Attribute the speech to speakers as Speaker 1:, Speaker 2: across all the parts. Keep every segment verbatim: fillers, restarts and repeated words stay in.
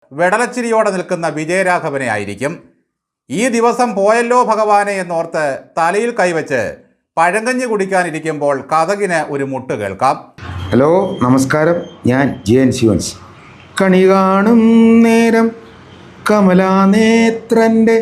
Speaker 1: വെടലച്ചിരിയോടെ നിൽക്കുന്ന വിജയരാഘവനെ ആയിരിക്കും. ഈ ദിവസം പോയല്ലോ ഭഗവാനെ എന്നോർത്ത് തലയിൽ കൈവച്ച് പഴങ്കഞ്ഞി കുടിക്കാനിരിക്കുമ്പോൾ കഥകിന് ഒരു മുട്ട് കേൾക്കാം.
Speaker 2: ഹലോ, നമസ്കാരം. ഞാൻ ജെ എൻ ശിവൻസ്. കണി കാണും നേരം കമലാനേത്രൻ്റെ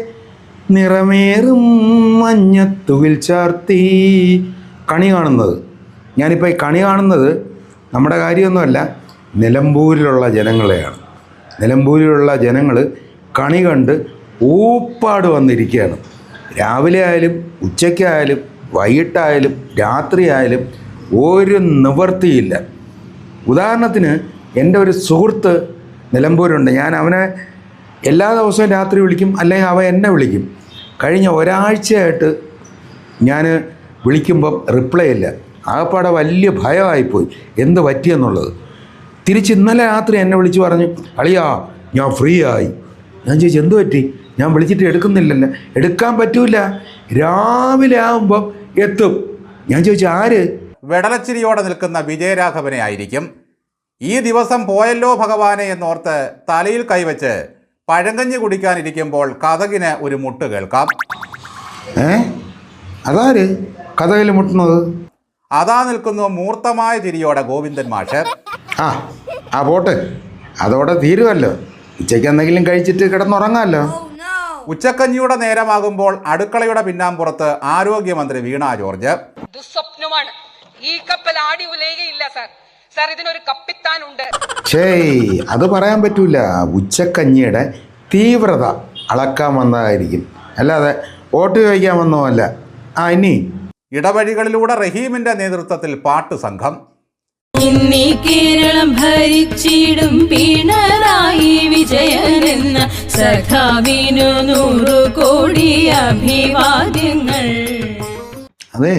Speaker 2: നിറമേറും മഞ്ഞത്തുകിൽ ചാർത്തി. കണി കാണുന്നത് ഞാനിപ്പോൾ ഈ കണി കാണുന്നത് നമ്മുടെ കാര്യമൊന്നുമല്ല, നിലമ്പൂരിലുള്ള ജനങ്ങളെയാണ്. നിലമ്പൂരിലുള്ള ജനങ്ങൾ കണി കണ്ട് ഊപ്പാട് വന്നിരിക്കുകയാണ്. രാവിലെ ആയാലും ഉച്ചയ്ക്കായാലും വൈകിട്ടായാലും രാത്രിയായാലും ഒരു നിവൃത്തിയില്ല. ഉദാഹരണത്തിന് എൻ്റെ ഒരു സുഹൃത്ത് നിലമ്പൂരുണ്ട്. ഞാൻ അവനെ എല്ലാ ദിവസവും രാത്രി വിളിക്കും, അല്ലെങ്കിൽ അവൻ എന്നെ വിളിക്കും. കഴിഞ്ഞ ഒരാഴ്ചയായിട്ട് ഞാൻ വിളിക്കുമ്പം റിപ്ലൈ ഇല്ല. ആകപ്പാടെ വലിയ ഭയമായിപ്പോയി എന്ത് പറ്റിയെന്നുള്ളത്. തിരിച്ച് ഇന്നലെ രാത്രി എന്നെ വിളിച്ച് പറഞ്ഞു, അളിയാ ഞാൻ ഫ്രീ ആയി. ഞാൻ ചോദിച്ചു എന്ത് പറ്റി? ഞാൻ വിളിച്ചിട്ട് എടുക്കുന്നില്ലല്ലോ. എടുക്കാൻ പറ്റൂല, രാവിലെ ആകുമ്പം എത്തും. ഞാൻ ചോദിച്ചു ആര്?
Speaker 1: വെടലച്ചിരിയോടെ നിൽക്കുന്ന വിജയരാഘവനെ ആയിരിക്കും. ഈ ദിവസം പോയല്ലോ ഭഗവാനെ എന്നോർത്ത് തലയിൽ കൈവച്ച് പഴങ്കഞ്ഞി കുടിക്കാനിരിക്കുമ്പോൾ കഥകിന് ഒരു മുട്ട് കേൾക്കാം.
Speaker 2: ഏ അതാര് കഥകിൽ മുട്ടുന്നത്?
Speaker 1: അതാ നിൽക്കുന്നു മൂർത്തമായ ചിരിയോടെ ഗോവിന്ദൻ മാഷ്.
Speaker 2: ആ ആ പോട്ട്, അതോടെ തീരുമല്ലോ. ഉച്ചയ്ക്ക് എന്തെങ്കിലും കഴിച്ചിട്ട് കിടന്നുറങ്ങാമല്ലോ.
Speaker 1: ഉച്ചക്കഞ്ഞിയുടെ നേരമാകുമ്പോൾ അടുക്കളയുടെ പിന്നാമ്പുറത്ത് ആരോഗ്യമന്ത്രി വീണ ജോർജ്.
Speaker 3: ദുസ്വപ്നമാണ്, ഈ കപ്പൽ ആടി ഉലയുകയില്ല സാർ. സാർ ഇതിനൊരു കപ്പിത്താനുണ്ട്.
Speaker 2: ഛേയ്, അത് പറയാൻ പറ്റൂല. ഉച്ചക്കഞ്ഞിയുടെ തീവ്രത അളക്കാൻ വന്നതായിരിക്കും, അല്ലാതെ വോട്ട് ചോദിക്കാൻ വന്നതല്ല. ആ ഇനി
Speaker 1: ഇടവഴികളിലൂടെ റഹീമിന്റെ നേതൃത്വത്തിൽ പാട്ട് സംഘം.
Speaker 4: ഇന്നീ കേരളം ഭരിച്ചിടും പിണറായി വിജയനെന്ന സഖാവിനു നൂറു കോടി അഭിവാദ്യങ്ങൾ.
Speaker 2: അതെ,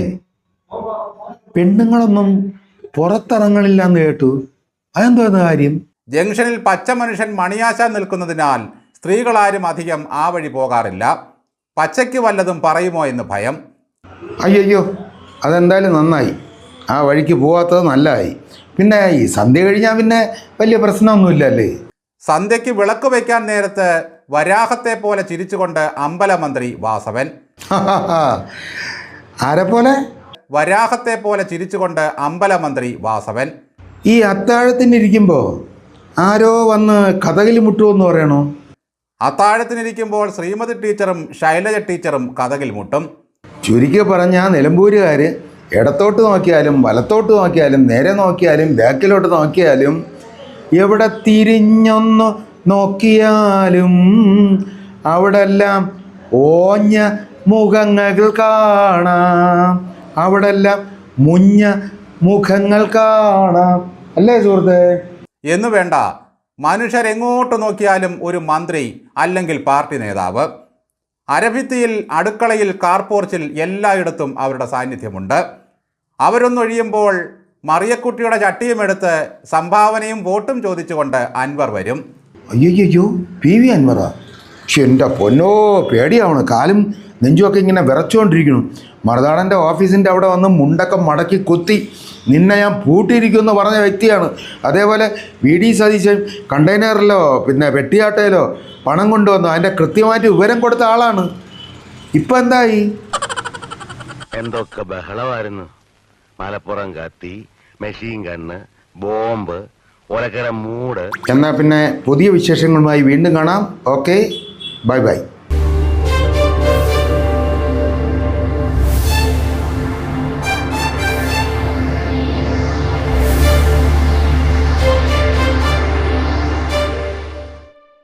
Speaker 2: പെണ്ണുങ്ങളൊന്നും പുറത്തിറങ്ങണില്ലെന്ന് കേട്ടു. അതെന്തോന്ന് കാര്യം?
Speaker 1: ജംഗ്ഷനിൽ പച്ച മനുഷ്യൻ മണിയാശാൻ നിൽക്കുന്നതിനാൽ സ്ത്രീകളാരും അധികം ആ വഴി പോകാറില്ല. പച്ചയ്ക്ക് വല്ലതും പറയുമോ എന്ന് ഭയം.
Speaker 2: അയ്യോ, അതെന്തായാലും നന്നായി. ആ വഴിക്ക് പോകാത്തത് നല്ലതായി. പിന്നെ ഈ സന്ധ്യ കഴിഞ്ഞാൽ പിന്നെ വലിയ പ്രശ്നമൊന്നുമില്ലല്ലേ.
Speaker 1: സന്ധ്യയ്ക്ക് വിളക്ക് വയ്ക്കാൻ നേരത്ത് വരാഹത്തെ പോലെ ചിരിച്ചുകൊണ്ട് അമ്പലമന്ത്രി വാസവൻ.
Speaker 2: ആരെ പോലെ?
Speaker 1: വരാഹത്തെ പോലെ ചിരിച്ചുകൊണ്ട് അമ്പലമന്ത്രി വാസവൻ.
Speaker 2: ഈ അത്താഴത്തിനിരിക്കുമ്പോൾ ആരോ വന്ന് കഥകിൽ മുട്ടുമെന്ന് പറയണോ?
Speaker 1: അത്താഴത്തിനിരിക്കുമ്പോൾ ശ്രീമതി ടീച്ചറും ശൈലജ ടീച്ചറും കഥകിൽ മുട്ടും.
Speaker 2: ചുരുക്കി പറഞ്ഞാൽ നിലമ്പൂരുകാർ ഇടത്തോട്ട് നോക്കിയാലും വലത്തോട്ട് നോക്കിയാലും നേരെ നോക്കിയാലും ബാക്കിലോട്ട് നോക്കിയാലും എവിടെ തിരിഞ്ഞൊന്ന് നോക്കിയാലും അവിടെല്ലാം ഓഞ്ഞ മുഖങ്ങൾ കാണാം, അവിടെല്ലാം മുഞ്ഞ മുഖങ്ങൾ കാണാം. അല്ലേ സുഹൃത്തേ?
Speaker 1: എന്നു വേണ്ട, മനുഷ്യരെങ്ങോട്ട് നോക്കിയാലും ഒരു മന്ത്രി അല്ലെങ്കിൽ പാർട്ടി നേതാവ്. അരഭിത്തിയിൽ, അടുക്കളയിൽ, കാർപോർച്ചിൽ എല്ലായിടത്തും അവരുടെ സാന്നിധ്യമുണ്ട്. അവരൊന്നൊഴിയുമ്പോൾ മറിയക്കുട്ടിയുടെ ചട്ടിയുമെടുത്ത് സംഭാവനയും വോട്ടും ചോദിച്ചുകൊണ്ട് അൻവർ വരും.
Speaker 2: അയ്യോ, പി വി അൻവറാ? പക്ഷെ എൻ്റെ പൊന്നോ, പേടിയാവണം. കാലും നെഞ്ചുമൊക്കെ ഇങ്ങനെ വിറച്ചുകൊണ്ടിരിക്കണം. മറുനാടൻ്റെ ഓഫീസിൻ്റെ അവിടെ വന്ന് മുണ്ടൊക്കെ മടക്കി കുത്തി നിന്നെ ഞാൻ പൂട്ടിയിരിക്കുമെന്ന് പറഞ്ഞ വ്യക്തിയാണ്. അതേപോലെ വി ഡി സതീശൻ കണ്ടെയ്നറിലോ പിന്നെ വെട്ടിയാട്ടയിലോ പണം കൊണ്ടുവന്നു അതിൻ്റെ കൃത്യമായിട്ട് വിവരം കൊടുത്ത ആളാണ്. ഇപ്പം എന്തായി?
Speaker 5: എന്തൊക്കെ ബഹളമായിരുന്നു. മലപ്പുറം കത്തി, മെഷീൻ ഗണ്ണ്, ബോംബ്, ഒലക്കര മൂട്.
Speaker 2: എന്നാൽ പിന്നെ പുതിയ വിശേഷങ്ങളുമായി വീണ്ടും കാണാം. Okay, bye by.